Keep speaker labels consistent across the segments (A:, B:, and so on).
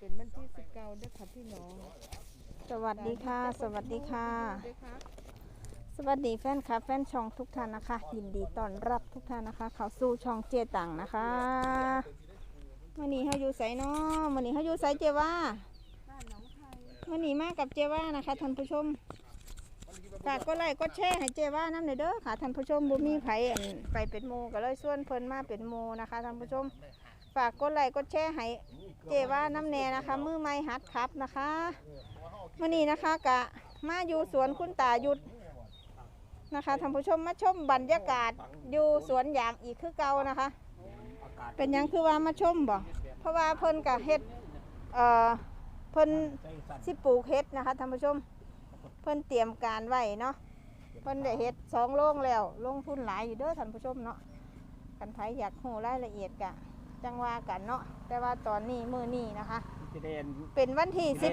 A: เป็นวันที่19เด้อค่ะพี่น้อง
B: สวัสดีค่ะสวัสดีค่ะสวัสดีแฟนคลับแฟนช่องทุกท่านนะคะยินดีต้อนรับทุกท่านนะคะเข้าสู่ช่องเจตังนะคะมื่อนี้เขาอยู่ไสเนาะมื่อนี้เขาอยู่ไสเจว่ามื่อนี้มากับเจว่านะคะท่านผู้ชมฝากกดไลค์กดแชร์ให้เจว่าน้ำหน่อยเด้อค่ะท่านผู้ชมบุมีไผไปเป็นโมก็เลยส่วนเพิ่นมาเป็นโมนะคะท่านผู้ชมฝากกดไลค์กดแชร์ให้เจว่าน้ำแน่นะคะมือไม้หัดครับนะคะมื่อนี้นะคะกะมาอยู่สวนคุณตาหยุดนะคะท่านผู้ชมมาชมบรรยากาศอยู่สวนยางอีกคือเก่านะคะเป็นยังคือว่ามาชมบ่เพราะว่าเพิ่นกะเฮ็ดเพิ่นสิปลูกเฮ็ดนะคะท่านผู้ชมเพิ่นเตรียมการไว้เนาะเพิ่นได้เฮ็ด2โรงแล้วลงทุนหลายอยู่เด้อท่านผู้ชมเนาะกันไผอยากรู้รายละเอียดกะจังว่ากันเนาะแต่ว่าตอนนี้มื้อนี้นะคะเป็นวันที่19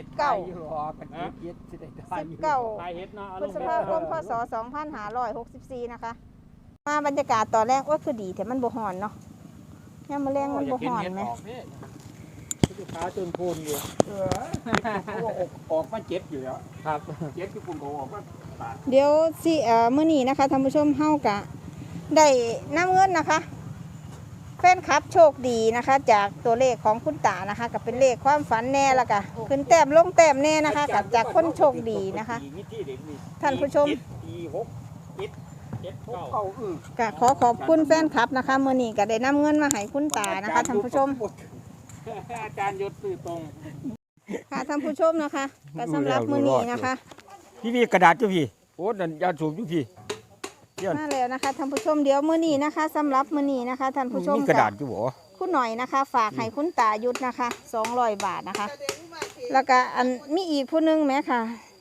B: พฤษภาคมพศ2564นะคะมาบรรยากาศตอนแรกว่าคือดีแต่มันบ่ฮ้อนเนาะยามมื้อแลงมันบ่ฮ้อนไหม
C: ลูกค้าจนพูนอยู่เขาออกมาเจ็บอยู่แล้วครับเจ็บที่ปุ่นเขาออกมา
B: เดี๋ยวสิมื้อนี้นะคะท่านผู้ชมเฮากะได้นำเงินนะคะแฟนคลับโชคดีนะคะจากตัวเลขของคุณตานะคะกับเป็นเลขความฝันแน่ละกะขึ้นแต้มลงแต้มแน่นะคะกับจากคนโชคดีนะคะท่านผู้ชมกะขอบคุณแฟนคลับนะคะมื้อนี้ก็ได้นำเงินมาให้คุณตานะคะท่านผู้ชม
C: อาจารย์ยศสื่อตรง
B: ค่ะท่านผู้ชมนะคะก็สำหรับมื้อนี้นะคะ
C: พี่กระดาษจุพี่โอ้ดันยาสูบจุพี่
B: มาแล้วนะคะท่านผู้ชมเดี๋ยวมื้อนี้นะคะสำหรับมื้อนี้นะคะท่านผู้ชม
C: มีกระดาษจุบ่
B: คุณหน่อยนะคะฝากให้คุณตายุทธนะคะ200 บาทนะคะแล้วก็อันมีอีกผู้นึงไหมค่ะ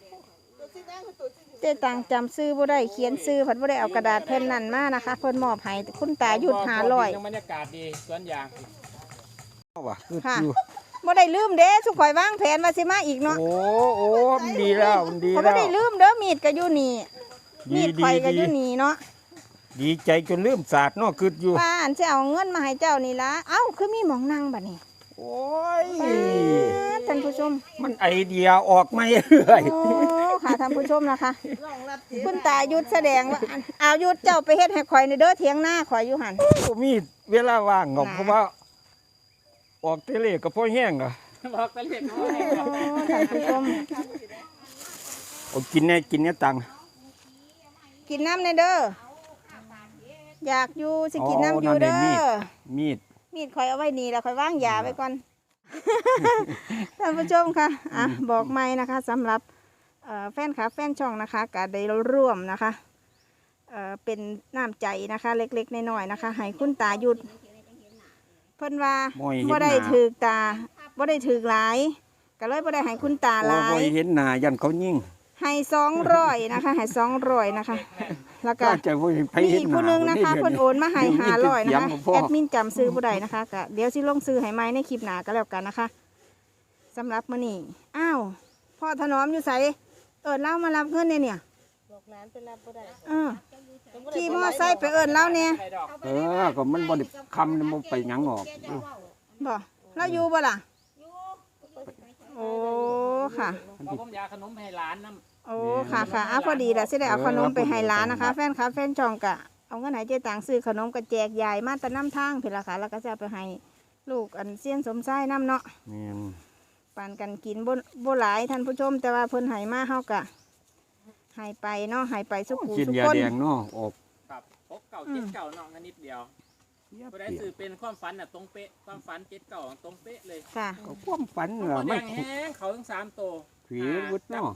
B: เจ๊ตังจำซื้อบ่ได้เขียนซื้อเพิ่นบ่ได้เอากระดาษแผ่นนั้นมานะคะเพิ่นมอบให้คุณตายุทธ500
C: บรรยากาศดีสวนยาง
B: ค่ะบ่ได้ลืมเด้สุข่อยวางแผนว่าสิมาอีกเนาะ
C: โอ้ดีแล้วดีแล้ว
B: บ่ได้ลืมเด้อมีดก็อยู่นี่มีดข่อยก็อยู่นี่เนาะ
C: ดีใจจนลืมศาสตร์เนาะคืออยู่
B: ป้าอันสิเอาเงินมาให้เจ้านี่ล่ะเอ้าคือมีหม่องนั่งบัดนี้
C: โอ้ย
B: ท่านผู้ชม
C: มันไอเดียออกไม่เรื่อย
B: โอ้ค่ะท่านผู้ชมนะคะคุณตายุทธแสดงว่าเอายุทธเจ้าไปเฮ็ดให้ข่อยในเด้อเถียงหน้าข่อยอยู่หั่น
C: มีเวลาว่างเพราะว่าออกเตะเลก็พอแห้งอ่ะออกเตะเลก็พอแห้ง
B: ท่านผู้ชม
C: กินเนี่ยตัง
B: กินน้ำในเด้ออยากอยู่สิกินน้ำอยู่เด้อมีดข่อยเอาไว้นี่แล้วข่อยวางยาไว้ก่อนท่านผู้ชมค่ะบอกไม่นะคะสำหรับแฟนคลับแฟนช่องนะคะก็ได้ร่วมนะคะเป็นน้ำใจนะคะเล็กๆน้อยๆนะคะให้คุณตาหยุดเพิ่นว่าบ่ได้ถือตาบ่ได้ถือหลายก็เลยบ่ได้ให้คุณตาหลาย
C: เห็นหน้ายันเขายิ่ง
B: ให้200นะคะให้200นะคะแล้วก็มีอีกผู้นึงนะคะเพิ่นโอนมาให้500นะคะแอดมินจำซื้อบ่ได้นะคะก็เดี๋ยวสิลงซื้อให้ใหม่ในคลิปหน้าก็แล้วกันนะคะสำหรับมื้อนี้อ้าวพ่อถนอมอยู่ไสเล่ามารับเงินเนี่ย
A: บอกร้านไปรับบ่ได้
B: ขี่มอไซค์ไปเล่าเนี่ย
C: ก็มันบ่ได้คำมันไปหยังออก
B: บ่เราอยู่บ่ล่ะโอ้ค่ะ
C: ผมอยากขนมให้หลานน
B: ำโอ้ค่ะพอดีแหละสิได้เอาขนมไปให้หลานนะคะแฟนคลับแฟนช่องกะเอาเงินให้เจ๊ตังซื้อขนมกระแจกยายมาแต่น้ำทางเพิ่นล่ะค่ะแล้วก็จะไปให้ลูกอันเสี้ยนสมไส้น้ำเนาะปานกันกินบ่หลายท่านผู้ชมแต่ว่าเพิ่นให้มาเฮากะให้ไปเนาะให้ไปสุขุสุขคน
C: แดงเนาะออก
D: ครับ6 9 7 9เนาะนิดเดียวบ่ได้สื่อเป็นความฝันน่ะตรงเป๊ะความฝัน7 9ตรงเป๊ะเลย
B: ค่ะ
C: ความฝัน
D: ไม่แห้งเขาทั้ง3ตัว
C: ผีวุฒิเนาะ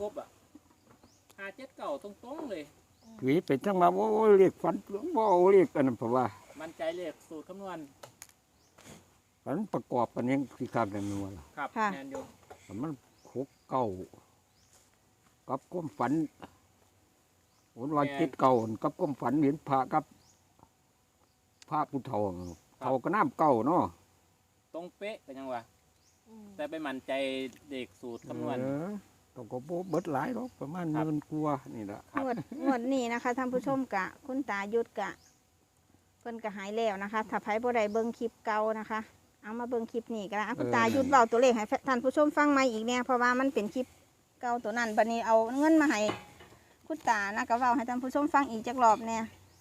D: 5 7 9ตรงๆเลย
C: ผีเป็นจังว่าโอ้เรียกฝันบ่เรียกอันนั้นเพราะว่า
D: มั่นใจเลขสูตรคำนวณ
C: ฝันประกอบกันยังคือการกันนัวล่ะ
D: ครับแม่นอยู่
C: มัน6 9กับความฝันวัน7 9กับความฝันเห็นพระกับพระผู้เฒ่าก็น้ำเก่าเนาะ
D: ตรงเป๊ะก็ยังว่าแต่ไปมั่นใจเด็กสูตรคำนวณ
C: ต้องก็เบิดหลายหรอกประมาณ10,000กว่านี่แหละ
B: งวดนี้นะคะท่านผู้ชมกะคุณตายุทธกะเพิ่นก็หายแล้วนะคะถ้าไผบ่ได้เบิ่งคลิปเก่านะคะเอามาเบิ่งคลิปนี้กันละคุณตาหยุดเบาตัวเลขให้ท่านผู้ชมฟังใหม่อีกเนี่ยเพราะว่ามันเป็นคลิปเก่าตัวนั้นบัดนี้เอาเงินมาให้คุณตานะก็เว้าให้ท่านผู้ชมฟังอีกจักรอบเนี่ย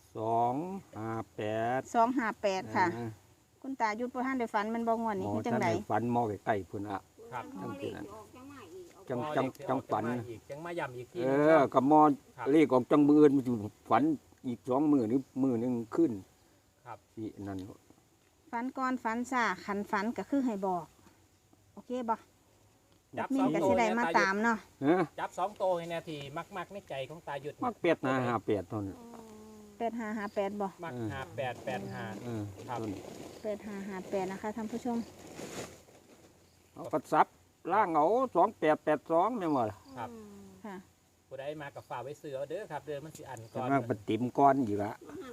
C: 258
B: 258ค่ะคุณตาหยุดบ่ทันได้ฝันมันบ่งวนนี่คือจังได๋
C: ฝันมอใกล้ๆพุ่นอ่ะ
D: ครับ
C: จังซี่นั่นจังฝัน
D: จังมาย้ำอีกที
C: กับมอเลขออกจังมืออื่นมันอยู่ฝันอีก2มื้อหรือมื้อนึงขึ้น
D: ครับ
C: สินั่น
B: ฝันก่อนฝันซ่าขันฝันก็คือให้บอก โอเคบ่
D: จับ
B: มี
D: สอง
B: ก็
D: ตัว
B: สิได้มาตามเนาะ
C: ฮะ
D: จับ2ตัวให้แน่ทีมักในใจของตาหยุด
C: มักเป็ดนะ58ต้น
B: 8558บ่
D: มัก5885 ครับ
B: 8558นะคะท่านผู้ชม
C: เอากระซับล่างเอา2882แม่นบ่ล่ะ
D: ครับ
B: ค่ะ
D: ผู้ใดมากับฝ่าไว้ซื้อเอาเด้อครับเด้อมันสิอันก่อน
C: มันปติมก้อนอยู่ละ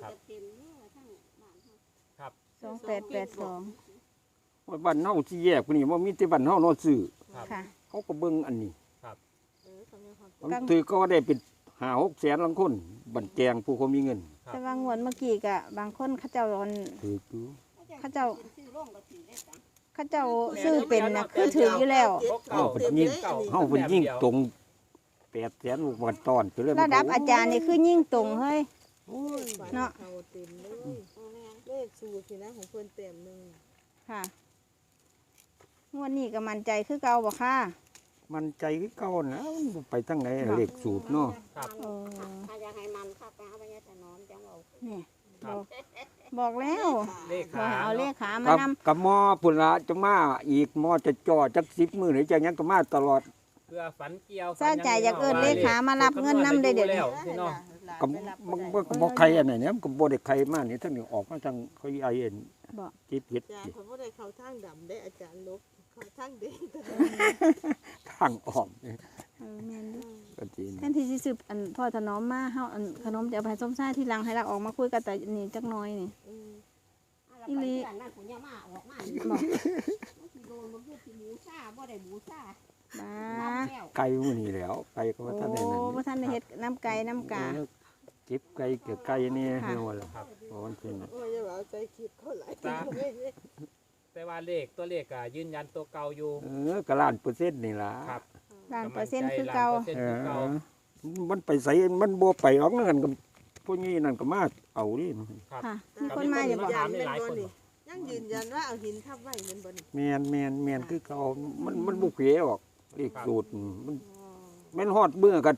D: ครับ
B: 2882
C: ว่าบ้านเฮาสิแยกพุ่นนี่บ่มีแต่บ้านเฮาเนาะซื้อ
D: ครับ
B: ค่ะ
C: เขาก็เบิ่งอันนี้
A: เออเขามีความ
C: มันถือก็ได้เป็น5-6แสนลังคนบันแจงผู้เขามีเงิน
B: แต่ว่างวดเมื่อกี้ก็บางคนเขาเจ้า
C: ถืออยู่
B: เขาเจ้าซื้อเป็นนะคือถืออยู่แล้ว
C: เฮาเป็นยิ่งเฮาเป็นยิ่งตรง8แสนลูกบาทตอนไปเลย
B: ระดับอาจารย์นี่คือยิ่งตรงเฮ้ย
A: โอ้ยฝั
B: เนาะ
A: เขาเต็มเลยเลขสูตรสินะของเพิ่นเต็มหนึง
B: ค่ะงวดนี้ก็มั่นใจคือเก่าบ่ค่ะ
C: มันใจคือเก่านะมันไปทางไหนเลขสูตรเนาะ
D: ครับ
B: เออ
E: ถ้าอยากให้มันค่ะไปเอาไปแต่นอนจังเอา
B: นี่
D: ครับ
B: บอกแล้ว
D: เลข
B: บอก
D: ขา
B: ให้เอาเลขขามา
C: กับ
B: นำ
C: กับหมอพุ่นละจะมาอีกหมอจะจ่อจัก10มื้อหรือจังหยังก็มาตลอด
D: เพื่อฝันเกี่ยว
B: ซาใจอยากเอิ้นเลขขามารับเงินนำได้เดี๋ยวนี้
D: พี่น้อง
C: ก็มันก็บ่ใครอันไหนเนี่ยมันก็บ่ได้ใครมานี่ทั้งนี้ออกมาทางเขาไอเอ็น
B: บอก
C: จิตเฮ็ด
A: อาจารย์เขาบ่ได้เข้าทางดำได้อาจารย์ลบเข้าทางแดง
C: ทางออกนี่
B: แม่นเด้อ
C: ก็จริง
B: แทนที่สิซื้ออันพ่อถนอมมาเฮาอันขนมจะเอาไปให้ส้มซ่าที่หลังให้เราออกมาคุยกันแต่นี่จักหน้อยนี่
E: อีหลีนั่นผมยังมาออกมา
B: บอก
E: โดนมันพูดที่หมูซ่าบ่ได้หมูซ่า
B: บ้า
E: แล้ว
C: ไก่มื้อนี้แหล้วไก่ก็
B: โอ้
C: ว่าท่านได้นั่น
B: บ่ทันได้เฮ็ดน้ำไก่น้ำกา
C: เก็บไก่เกี่ยวไก่นี่
B: ค่ะ
C: ให้ว่าล่ะครับเพราะมันเป็นน่ะ
A: โอ้ยอย่าว่าใจคิดเขาหลาย
D: แต่ว่าเลขตัวเลขก็ยืนยันตัวเก่าอยู่
C: ก็ล้านเปอร์เซ็นต์นี่ล่ะ
D: ครับ
B: ล้านเปอร์เซ็นต์คือเก่า
D: ล้นปอร์ซ็นต์คือเก่า
C: มันไปใส่มันบ่ไปออกนั่นกับพวกนี้นั่นก็มาเอาดิ
D: ครับ
B: ค่ะมีคนมาอยู่บ่
D: ถามได้หลายคน
A: ยังยืนยันว่าเอาหินทับไว้แมันบ่นี่
C: แม่นคือเขามันบ่เขวออกเลขสูตรมันแม่นฮอดเมื่อกับ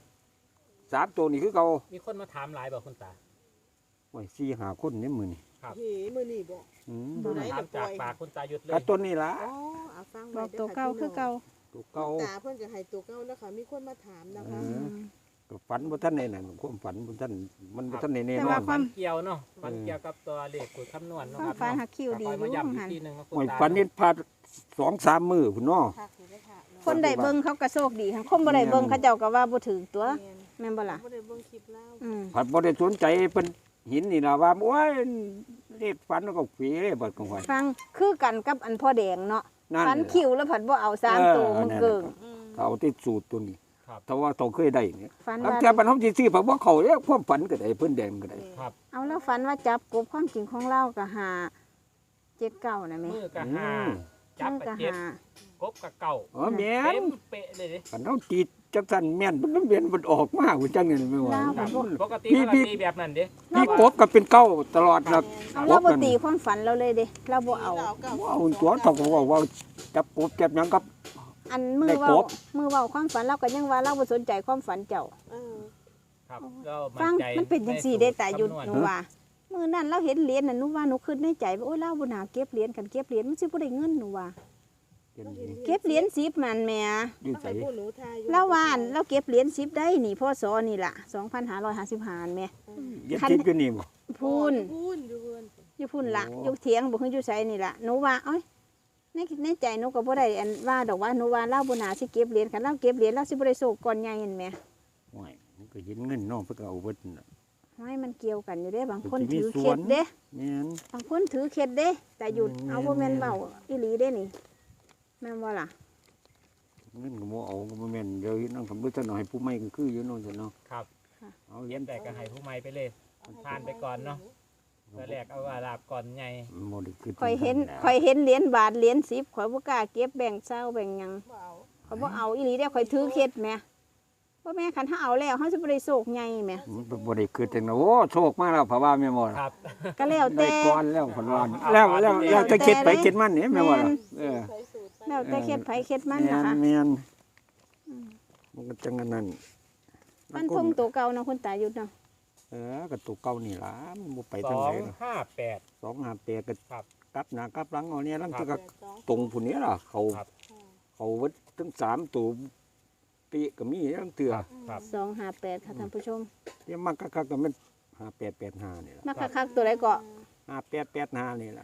C: 3ตัวนี่คือเขา
D: มีคนมาถามหลายบอกคุณตา
C: โอ้ย4-5คนนี่มื้อนี่
D: ครับ
A: เฮ้มื้อนี้บ่
C: อืม
A: บ่ได้
D: ถามจากปากคุณตาหยุดเล
C: ก็
D: ย
C: ตัวนี้ล่ะ
A: อ๋อเอาฟัง
B: บ
A: ไว้
B: อก
A: ด้
B: ตัว
A: ค่ะ
B: เก่าคือเก่า
C: ตัวเก่า
A: ตาเพิ่นก็ให้ตัวเก่านะคะมีคนมาถามนะคะ
C: ก็ฝันบ่ทันได้นั่นความฝันบ่ทันมันบ่ทันได้แน่
B: แต่
C: นอ
B: ว่าน ความ
D: เกี่ยวเนาะฝันเกี่ยวกับตัวเลขคุยคำนวณเนาะ
B: ความ
D: ครับ
B: ฝันหักคิวดี
D: คอยมา
B: อยู่
D: ย้ำอีก
B: หั่น
D: ทีหนึงว่าคุณ
C: โอ้ย
D: ตา
C: ฝันเห็นพา2-3 มื้อพุ่นเนาะ
A: คักอยู่ได้อค่ะเนาะ
B: คนได้เบิ่งเขาก็โชคดีทั้งคนบ่ได้เบิ่งเขาเจ้าก็ว่าบ่ถือตัว
A: แม่น
B: แม่นบ่ล่ะ
A: บ่ได้เบิ่งคลิปแล้ว
C: ผัดบ่ได้สนใจเป็นหินนี่นะว่าโอ้ยเลขฝันแล้วก็ฝีเลยบัดของข่อย
B: ฟังคือกันกับอันพ่อแดงเนาะ
C: นั่น
B: ฟันคิวแล้วผัดบ่เอา3ตัวมันเกิง
C: เอาที่สูตรตัวนี้ถ้าว่าต้องเคยได้เนี่ย
B: ฟัน
C: แล้ว
B: ว่า
C: แต่บรรทมสิซื้อผักบ่เข้าเด้ความฝันก็ได้เพิ่นแดงก็ได้
D: ครับ
B: เอาแล้วฝันว่าจับกบความจริงของเราก็หา79นะแม่
D: มือกับห้าจับ
B: มือ
D: กับ
B: ก็
D: เจ็ด
B: หา
D: กบกับเก่า
C: อ๋อแม่
D: เต็
C: น
D: มเป๊ะเลยดิ
C: คันเฮาติดจักสั่นแม่นมันเวียนมันออกมาว่าจังนี่ไม่ว่า
D: ครับปกติ
C: พี่
D: เขาก็ตีแบบนั้นดิ
C: พี่กบก็เป็นเก้าตลอดนะ
B: เอาเราบ่ตีความฝันเราเลยเด้เราบ่เอา
C: ว้าวตัวเท่ากับว่าจับกบจับหยังกับ
B: อันมือ
C: ได้
B: เว้าก
C: บ
B: มือเว้าความฝันเราก็ยังว่าเราบ่สนใจความฝันเจ้า
A: เออ
D: ครับก็
B: ฟัง
D: ใจ
B: มันเป็นจังซี่ได้แต่หยุด
D: คำนวณ
B: หนูว่ามื้อนั้นเราเห็นเหรียญน่ะหนูว่าหนูคิดในใจว่าโอ้ยเราบ่น่าเก็บเหรียญกันเก็บเหรียญมันสิบ่ได้เงินหนูว่าเก็บเหรียญ10มันแหม่
C: อยู่
A: ต้อง
C: ไส
A: ให้ผู้หนูทายอยู่
B: เราว่าอันเราเก็บเหรียญ10ได้นี่พศนี่ล่ะ2555แหม่
C: เย็บติดอยู่นี่บ่
B: พูน
A: พูนอยู่เพิ่น
B: อยู่พุ่นละ
C: โอ้
B: อยู่เถียงบ่คืออยู่ไสนี่ล่ะหนูว่าเอ้ยในใจหนูก็บ่ได้อันว่าดอกว่าหนูว่าเราบ่น่าสิเก็บเหรียญคันเราเก็บเหรียญเราสิบ่ได้โชคก่อนใหญ่เห็นแหม
C: โอ้ยมันก็เห็นเงินเนาะเพิ่นก็เอาเบิดน่ะ
B: ห้อยมันเกี่ยวกันอยู่เด้บางคน
C: มันสิมี
B: ถือ
C: ส
B: เค
C: ว
B: ล็
C: น
B: ดเด้
C: แม่น
B: บางคนถือเคล็ดเด้แต่หยุด
C: แม่น
B: เอาบ่แม่น
C: แม่น
B: เว้าอีหลีเด้นี่แม่นบ่ล่ะ
C: เงินก็บ่เอาก็บ่แม่นเดี๋ยวนั่งคำบ่ทันเอาให้ผู้ใหม่ก็คืออยู่เนาะซั่นเนาะ
D: ครับ
C: เอา
D: เรียนแต่ก็ให้ผู้ใหม่ไปเลยผ่านไปก่อนเนาะ
C: เ
D: ตอนแรกเอาว่าลาบก่อนใหญ่
C: บ่ได้คือ
B: ข่อยเห็นเหรียญบาทเหรียญ10ข่อยบ่กล้าเก็บแบ่งเศร้าแบ่งหยัง
A: บ่เอา
B: ข่อยบ่เอาอีหลีเด้อข่อยถือเคล็ดแหมว่าแม่คันถ้าเอาแล้วเฮาสิบ่ได้โศกใหญ่แหม
C: มันบ่ได้คือจังนะโอ้โชคมาแล้วเพราะว่าแม่นบ่ล่ะ
D: ครับ
B: ก็แล้ว
C: ได้
B: แต่
C: ก่อนแล้วเพิ่นว่าแล้วจะคิดไปคิดมันนี่แม่นบ่ล่ะเออ
A: ใส่สูตรไป
B: แล้วแต่เคล็ดไผเคล็ดมันนะคะ
C: แม่นมันก็จังอันนั้น
B: มันทงตัวเก่าเนาะคุณตาหยุดเนาะ
C: ก็ตัวเก่านี่ล่ะมันบ่ไป
D: ส
C: ทาง
D: อ
C: ไหน
D: งห้าแปด
C: 258ก็
D: ครับ
C: กลับหน้ากลับหลังเอาเนี่ยลัง
D: ครั
C: ก็
D: บ
C: ตรงผู้นี้ล่ะเขา
D: ครับ
C: เขาวัดทั้ง3ตัวปีก็มีทั้งเตือ
D: ครับ
B: 258ค่ะท่านผู้ชม
C: เดี๋ยวมันก็มัน5885นี่ล่ะ
B: มาคักๆตัวใดก็
C: 5885นี่ล่ะ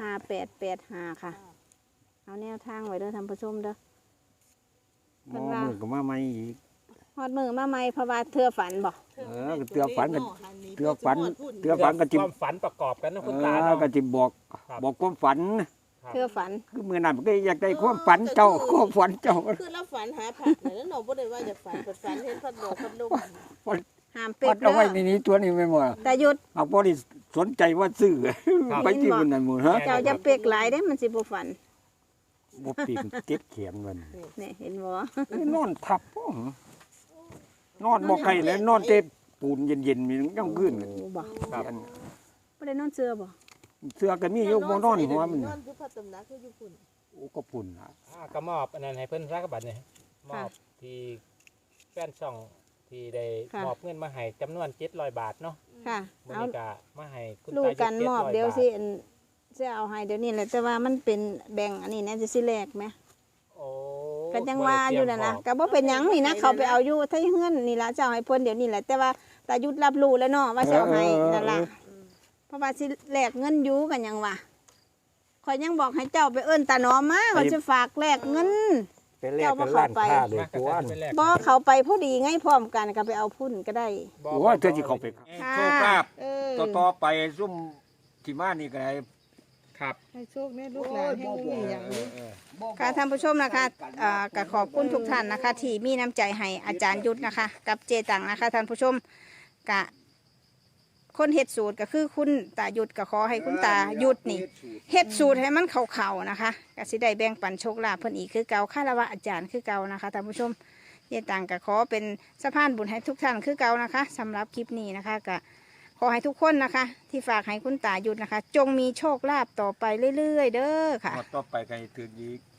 B: 5885ค่ะ เอาแนวทางไว้เด้อท่านผู้ชมเด้อ
C: หมอมือก็มาใหม่อีก
B: ฮอดมือมาใหม่เพราะว่าเธอฝันบ่
C: ก็เตือฝันกันเตือฝันก็
D: ความฝันประกอบกันนะคุณตา
C: ก็
D: เนาะ
C: จิบอก
D: ครับ
C: บอกความฝัน
D: ครับ
B: เธอฝัน
C: คือมื้อนั้นก็อยากได้ความฝันเจ้าความฝันเจ้า
A: คือเราฝันหาผักน่ะแล้วเราบ่ได้ว่าจะฝันเปิดฝันเห็นพัดบอกพัดลม
B: ห้าม
C: ฝั
B: เป็
C: น
B: ด
C: เอา
B: เด้
C: ไว้
B: อ
C: ในนี้ตัวนี้ไม่หมด
B: แต่หยุด
C: เอาบ่ได้สนใจว่าซื้อไปที่มันนั่นหมดฮะ
B: เจ้าจะเป็กหลายเด้มันสิบ่ฝัน
C: บ่ปีกเก็บเขียนมัน
B: นี่เห็นบ่
C: นอนทับบ่นอนบ่ไกลเลยนอนเต็มปูนเย็นๆมียังขึ้น
B: โอ้บ่
C: ครับ
B: บ่ได้นอนเสื้อบ่
C: เสื้อก็มีอยู่บ่นอนหัวมัน
A: นอนคือพระตำหนักคืออยู่พุ่น
C: โอ้ก็ปุ่นล่ะ
D: ก็มอบอันนั้นให้เพิ่นรักบัตรเนี่ยมอบที่แฟนช่องที่ได้มอบเงินมาให้จำนวน700 บาทเนาะ
B: ค่ะ
D: มื้อ
B: เอา
D: นี้ก็มาให้คุณ
B: ลู
D: ตาก
B: กัน
D: 700
B: มอบเดี๋ยว
D: บาท
B: สิอันสิเอาให้เดี๋ยวนี้แหละแต่ว่ามันเป็นแบ่งอันนี้นะจะสิแลกไหม
D: โอ้
B: ก็ยังว่าอยู่นั่นนะก็บ่เป็นหยังนี่นะเขาไปเอาอยู่ที่เฮือนนี่ล่ะเจ้าให้เพิ่นเดี๋ยวนี้แหละแต่ว่าตายุดรับรู้แล้วเนาะว่าสิเอาให้นั่นล่ะเพราะว่าสิแลกเงินอยู่กันหยังว่าข่อยยังบอกให้เจ้าไปเอิ้นตาหนอมมาเขาจะฝากแลกเงิน
C: ไปแลกกันร้านค้าเลย
D: มาก
C: ตัว
D: กันไปแลก
B: บ่เขาไปพอดีไงพร้อมกันก็ไปเอาพุ่นก็ได้
D: บ่
C: โอ้ยเธอสิเข้าไป
B: ค่ะ
C: โชคลาภ
B: เออ
C: ต่อไปซุ่มที่มานี่ก็ได้
D: ครับ
A: ให้โชคแม่ลูกหลานให้บ่มีหยังนี้
B: ค่ะท่านผู้ชมนะคะก็ขอบคุณทุกท่านนะคะ ที่มีน้ำใจให้อาจารย์ยุทธนะคะ กับเจตังนะคะท่านผู้ชมกะคนเฮ็ดสูตรก็คือคุณตายุทธก็ขอให้คุณตายุทธนี่เฮ็ดสูตรให้มันเข่าๆนะคะก็สิได้แบ่งปันโชคลาภเพิ่นอีกคือเก่าคารวะอาจารย์คือเก่านะคะท่านผู้ชมเจตังก็ขอเป็นสะพานบุญให้ทุกท่านคือเก่านะคะสำหรับคลิปนี้นะคะก็ขอให้ทุกคนนะคะ ที่ฝากให้คุณตายุทธนะคะ จงมีโชคลาภต่อไปเรื่อยๆ เด้อค่ะ
C: ต่อไปก็ให้ถึงอีก